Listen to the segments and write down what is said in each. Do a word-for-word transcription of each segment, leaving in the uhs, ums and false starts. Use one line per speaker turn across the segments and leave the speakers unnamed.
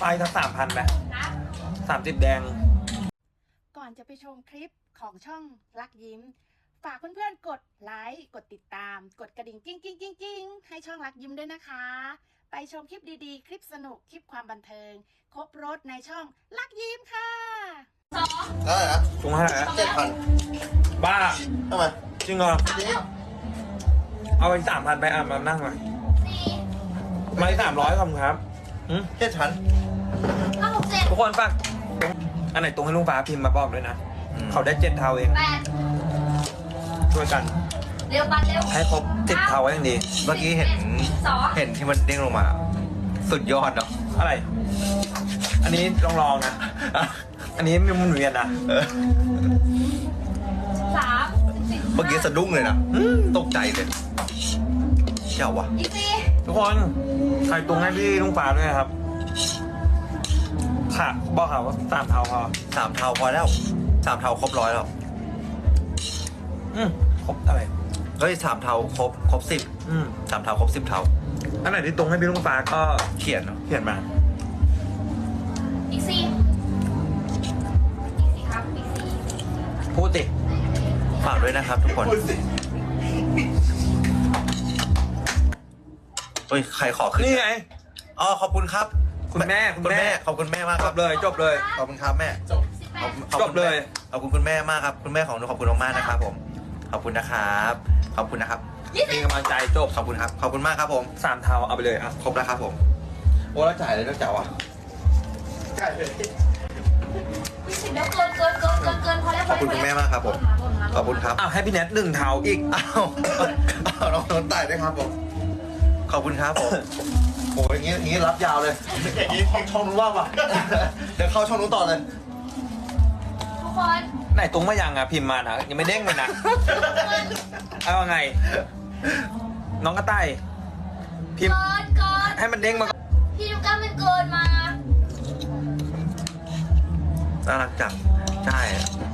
ไปสักสามพันไหมสามสิบแดง
ก่อนจะไปชมคลิปของช่องรักยิ้มฝากเพื่อนๆกดไลค์กดติดตามกดกระดิ่งกิ้งกิ้งกิ้งกิ้งให้ช่องรักยิ้มด้วยนะคะไปชมคลิปดีๆคลิปสนุกคลิปความบันเทิงครบรถในช่องรักยิ้มค่ะ
ได้เหรอ
ถุงเท่าไหร่
เจ็ดพัน
บ้า
ทำไม
จริงเหรอเอาไปสามพันไปอ่ะมานั่งมาไม่สามร้อยคำครับ
เจ็ดพัน
ทุกคนฝากอันไหนตรงให้ลุงฟ้าพิมพ์มาบอกด้วยนะเขาได้เจ็ดเท่าเองช่วยกัน
เร็วปันเร็ว
ให้ครบเจ็ดเท่าอย่างดี
เมื่อกี้เห็นเห็นที่มันเด้งลงมาสุดยอดเนาะ
อะไร อันนี้ลองลองนะอันนี้มันหมุนเวียนนะ
สาม
เมื่อกี้สะดุ้งเลยนะตกใจเลยเจ้าวะ
ทุกคนใครตรงให้พี่ลุงฟ้าด้วยครับค่ะบอกค่ะว่าสามเท่าพอ
สามเท่าพอแล้วสามเท่าครบร้อยแล้ว
อืมครบอะไร
เฮ้ยสามเท่าครบครบสิบอืมสามเท่าครบสิบเท่า
อันไหนที่ตรงให้พี่ลุงฟ้าก็
เขียนเนาะ
เขียนมา
อีกสี่อีกสี่ครับอีกสี่
พูดสิ
ฝากด้วยนะครับทุกคนเฮ้ยใครขอขึ้น
นี่ไง
อ๋อขอบคุณครับ
คุณแม่คุณแม่
ขอบคุณแม่มาก
จบเลยจบเลย
ขอบคุณครับแม่จบ
จบเลย
ขอบคุณคุณแม่มากครับคุณแม่ของหนูขอบคุณมากนะครับผมขอบคุณนะครับขอบคุณนะครับ
มีกำลังใจจบ
ขอบคุณครับขอบคุณมากครับผม
สามเท่าเอาไปเลยอ่ะ
ครบแล้วครับผมโอ้แล้วจ่ายเลยแล้วจ่ายวะจ่ายเลย
เดี๋ยวเกินเกินเกินเกินเกินพอแล้ว
ขอบคุณคุณแม่มากครับผมขอบคุณครับ
อ้าวให้พี่แนทหนึ่งเท่าอีก
อ้าวอ้าวน้องโดนตายด้วยครับผมขอบคุณครับผมโอ้ยอย่างงี้อย่างงี้รับยาวเลยอย่างงี้ช่องนู้นว่างป่ะเดี๋ยวเข้าช่องนู้นต่อเลย
ทุกคน
ไหนตรงมายังอ่ะพิมพ์มานะยังไม่เด้งเลยนะเอาไงน้องกระต่ายพิมพ์ให้มันเด้งมา
พี่ลูกก้ามันเกินมา
น่ารักจังใช่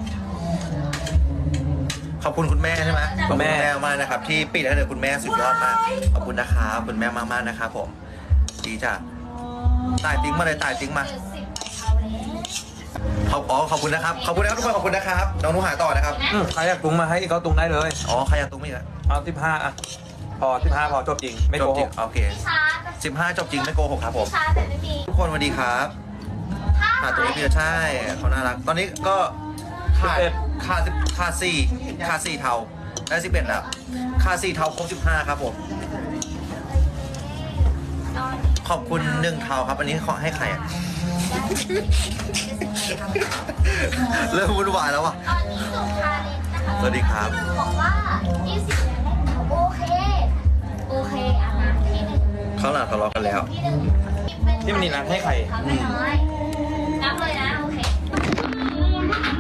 ขอบคุณคุณแม่ใช่ไหมขอบคุณแม่มากนะครับที่ปิดให้เลยคุณแม่สุดยอดมากขอบคุณนะครับคุณแม่มากๆนะครับผมดีจ้ะตายติ้งมาเลยตายติ้งมาขอบอ๋อขอบคุณนะครับขอบคุณนะครับทุกคนขอบคุณนะครับน้องนุ้หายต่อนะครับ
ใครอยากตุ้งมาให้ก็ตุ้งได้เลย
อ๋อใครอยากตุ้งไม่ได้
เอาสิบห้าอ่ะพอสิบห้าพอจบจริงไม่โกหก
โอเคสิบห้าจบจริงไม่โกหกครับผมทุกคนสวัสดีครับหาตัวนี้พี่ใช่เขาน่ารักตอนนี้ก็ขาดขาดขาดสี่ขาดสี่เท่าได้สิบเอ็ดแล้วขาดสี่เท่าครบสิบห้าครับผมขอบคุณหนึ่งเท่าครับอันนี้ขอให้ใครอ่ะเริ่มวุ่นวายแล้ววะ
ตอนนี้สุภาลินนะคะ
สวัสดีครับ
บอกว่ายี่สิบแล้วโอเคโอเคอ่ะนะที่หนึ่ง
เขาหลังทะเลาะกันแล้ว
ที่มันนี่นัดให้ใคร
ทำไม่น้อย